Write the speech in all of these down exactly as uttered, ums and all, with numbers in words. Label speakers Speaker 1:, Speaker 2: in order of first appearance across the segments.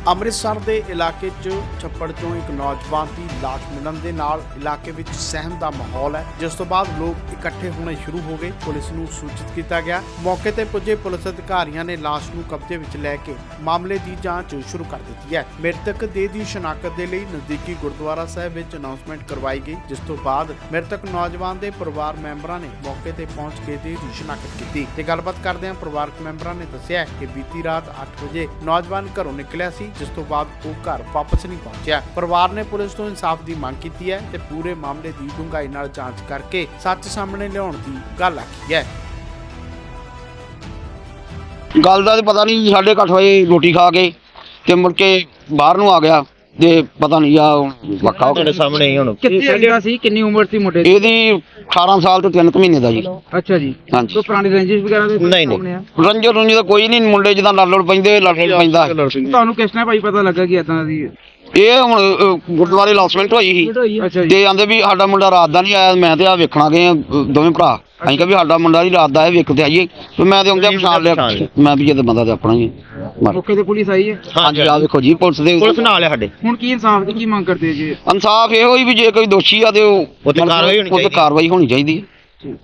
Speaker 1: ਅੰਮ੍ਰਿਤਸਰ ਦੇ ਇਲਾਕੇ 'ਚ ਛੱਪੜ 'ਚੋਂ ਇੱਕ ਨੌਜਵਾਨ ਦੀ ਲਾਸ਼ ਮਿਲਣ ਦੇ ਨਾਲ ਇਲਾਕੇ ਵਿੱਚ ਸਹਿਮ ਦਾ ਮਾਹੌਲ ਹੈ, ਜਿਸ ਤੋਂ ਬਾਅਦ ਲੋਕ ਇਕੱਠੇ ਹੋਣੇ ਸ਼ੁਰੂ ਹੋ ਗਏ। ਪੁਲਿਸ ਨੂੰ ਸੂਚਿਤ ਕੀਤਾ ਗਿਆ। ਮੌਕੇ ਤੇ ਪੁੱਜੇ ਪੁਲਿਸ ਅਧਿਕਾਰੀਆਂ ਨੇ ਲਾਸ਼ ਨੂੰ ਕਬਜ਼ੇ ਵਿੱਚ ਲੈ ਕੇ ਮਾਮਲੇ ਦੀ ਜਾਂਚ ਸ਼ੁਰੂ ਕਰ ਦਿੱਤੀ ਹੈ। ਮ੍ਰਿਤਕ ਦੇਹ ਦੀ ਸ਼ਨਾਖਤ ਦੇ ਲਈ ਨਜ਼ਦੀਕੀ ਗੁਰਦੁਆਰਾ ਸਾਹਿਬ ਵਿੱਚ ਅਨਾਉਂਸਮੈਂਟ ਕਰਵਾਈ ਗਈ, ਜਿਸ ਤੋਂ ਬਾਅਦ ਮ੍ਰਿਤਕ ਨੌਜਵਾਨ ਦੇ ਪਰਿਵਾਰ ਮੈਂਬਰਾਂ ਨੇ ਮੌਕੇ ਤੇ ਪਹੁੰਚ ਕੇ ਦੇਹ ਦੀ ਸ਼ਨਾਖਤ ਕੀਤੀ ਤੇ ਗੱਲਬਾਤ ਕਰਦਿਆਂ ਪਰਿਵਾਰਕ ਮੈਂਬਰਾਂ ਨੇ ਦੱਸਿਆ ਕਿ ਬੀਤੀ ਰਾਤ ਅੱਠ ਵਜੇ ਨੌਜਵਾਨ ਘਰੋਂ ਨਿਕਲਿਆ ਸੀ, ਜਿਸ ਤੋਂ ਬਾਅਦ ਉਹ ਘਰ ਵਾਪਸ ਨਹੀਂ ਪਹੁੰਚਿਆ। ਪਰਿਵਾਰ ਨੇ ਪੁਲਿਸ ਤੋਂ ਇਨਸਾਫ ਦੀ ਮੰਗ ਕੀਤੀ ਹੈ ਤੇ ਪੂਰੇ ਮਾਮਲੇ ਦੀ ਡੂੰਘਾਈ ਨਾਲ ਜਾਂਚ ਕਰਕੇ ਸੱਚ ਸਾਹਮਣੇ ਲਿਆਉਣ ਦੀ ਗੱਲ ਆਖੀ ਹੈ।
Speaker 2: ਗੱਲ ਦਾ ਤਾਂ ਪਤਾ ਨਹੀਂ, ਸਾਢੇ ਕੁ ਅੱਠ ਵਜੇ ਰੋਟੀ ਖਾ ਕੇ ਤੇ ਮੁੜ ਕੇ ਬਾਹਰ ਨੂੰ ਆ ਗਿਆ ਤੇ ਪਤਾ ਨਹੀਂ ਆ ਪੱਕਾ
Speaker 3: ਤੁਹਾਡੇ ਸਾਹਮਣੇ ਹੀ ਹੁਣ
Speaker 4: ਕਿੱਥੇ ਰਹਿੰਦਾ ਸੀ? ਕਿੰਨੀ ਉਮਰ ਸੀ ਮੁੰਡੇ ਦੀ?
Speaker 2: ਇਹਦੀ ਅਠਾਰਾਂ ਸਾਲ ਤੋਂ ਤਿੰਨ ਕੁ ਮਹੀਨੇ ਦਾ ਜੀ।
Speaker 4: ਅੱਛਾ ਜੀ।
Speaker 2: ਹਾਂਜੀ।
Speaker 4: ਕੋਈ ਪੁਰਾਣੀ ਰੰਜਿਸ਼ ਵਗੈਰਾ ਦੇ
Speaker 3: ਨਹੀਂ, ਨਹੀਂ।
Speaker 4: ਸਾਹਮਣੇ ਆ?
Speaker 2: ਰੰਜੋ ਰੰਜੋ ਦਾ ਕੋਈ ਨਹੀਂ, ਮੁੰਡੇ ਜਿੱਦਾਂ ਲੜ ਲੜ ਪੈਂਦੇ ਲੜ ਲੜ ਪੈਂਦਾ।
Speaker 4: ਤੁਹਾਨੂੰ ਕਿਸ ਨੇ ਭਾਈ ਪਤਾ ਲੱਗਾ ਕਿ ਏਦਾਂ ਦੀ ਹੈ?
Speaker 2: ਇਹ ਹੁਣ ਅ, ਗੁਰਦੁਆਰੇ ਅਨਾਉਂਸਮੈਂਟ ਹੋਈ ਸੀ
Speaker 4: ਅੱਛਾ ਜੀ।
Speaker 2: ਤੇ ਆਂਦੇ ਵੀ ਸਾਡਾ ਮੁੰਡਾ ਰਾਤ ਦਾ ਨਹੀਂ ਆਇਆ। ਮੈਂ ਤੇ ਆ ਵੇਖਣਾ ਗਏ ਆ, ਅ, ਦੋਵੇਂ ਭਰਾ। ਅਸੀਂ ਕਿਹਾ ਵੀ ਸਾਡਾ ਮੁੰਡਾ ਹੀ ਰਾਤ ਦਾ ਹੈ, ਵੇਖ ਤੇ ਆਈਏ। ਤੇ ਮੈਂ ਤੇ ਆਉਂਦੇ ਪਛਾਣ ਲਿਆ, ਮੈਂ ਵੀ ਇਹ ਤਾਂ ਬੰਦਾ ਤੇ ਆਪਣਾ ਹੀ ਹੈ।
Speaker 4: ਮੌਕੇ ਤੇ ਪੁਲਿਸ ਆਈ ਹੈ?
Speaker 2: ਹਾਂਜੀ, ਆ ਵੇਖੋ ਜੀ ਪੁਲਿਸ ਦੇ
Speaker 3: ਪੁਲਿਸ ਨਾਲ ਹੈ ਸਾਡੇ।
Speaker 4: ਹੁਣ ਕੀ ਇਨਸਾਫ ਦੀ ਕੀ ਮੰਗ ਕਰਦੇ ਜੀ?
Speaker 2: ਇਨਸਾਫ ਇਹੋ ਹੀ ਵੀ ਜੇ ਕੋਈ ਦੋਸ਼ੀ ਆ ਤੇ ਉਹ
Speaker 3: ਉਹ ਤੇ ਕਾਰਵਾਈ ਹੋਣੀ
Speaker 2: ਉਹ ਤੇ
Speaker 3: ਚਾਹੀਦੀ।
Speaker 2: ਕਾਰਵਾਈ ਹੋਣੀ ਚਾਹੀਦੀ ਹੈ।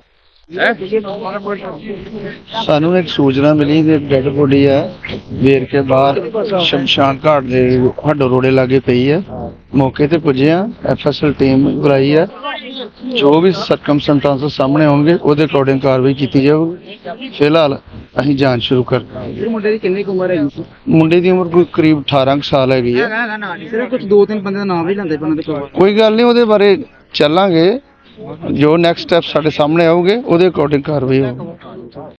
Speaker 5: ਸਾਨੂੰ ਇੱਕ ਸੂਚਨਾ ਮਿਲੀ ਕਿ ਡੈਡ ਬੋਡੀ ਹੈ ਵੇਰਕੇ ਬਾਹਰ ਸ਼ਮਸ਼ਾਨ ਘਾਟ ਦੇ ਹੱਡੋ ਰੋੜੇ ਲਾਗੇ ਪਈ ਹੈ। ਮੌਕੇ ਤੇ ਪੁੱਜੇ ਆ, ਐਫਐਸਐਲ ਟੀਮ ਬੁਲਾਈ ਹੈ। ਜੋ ਵੀ ਸਰਕਮਸਟੈਂਸਸ ਸਾਹਮਣੇ ਆਉਣਗੇ ਉਹਦੇ ਅਕੋਰਡਿੰਗ ਕਾਰਵਾਈ ਕੀਤੀ ਜਾਊਗੀ। ਫਿਲਹਾਲ ਅਸੀਂ ਜਾਂਚ ਸ਼ੁਰੂ ਕਰ
Speaker 4: ਇਹ ਮੁੰਡੇ ਦੀ ਕਿੰਨੀ ਕੁ ਉਮਰ ਹੈ?
Speaker 5: ਮੁੰਡੇ ਦੀ ਉਮਰ ਕੋਈ ਕਰੀਬ ਅਠਾਰਾਂ ਕੁ ਸਾਲ ਹੈਗੀ ਹੈ।
Speaker 4: ਸਿਰਫ ਕੁਝ ਦੋ ਤਿੰਨ ਬੰਦੇ ਦਾ ਨਾਮ ਵੀ ਲੈਂਦੇ ਪਏ ਦੇ ਕੋਲ।
Speaker 5: ਕੋਈ ਗੱਲ ਨਹੀਂ, ਉਹਦੇ ਬਾਰੇ ਚੱਲਾਂਗੇ। ਜੋ ਨੈਕਸਟ ਸਟੈਪ ਸਾਡੇ ਸਾਹਮਣੇ ਆਉਗੇ ਉਹਦੇ ਅਕੋਰਡਿੰਗ ਕਾਰਵਾਈ ਹੋਊਗੀ।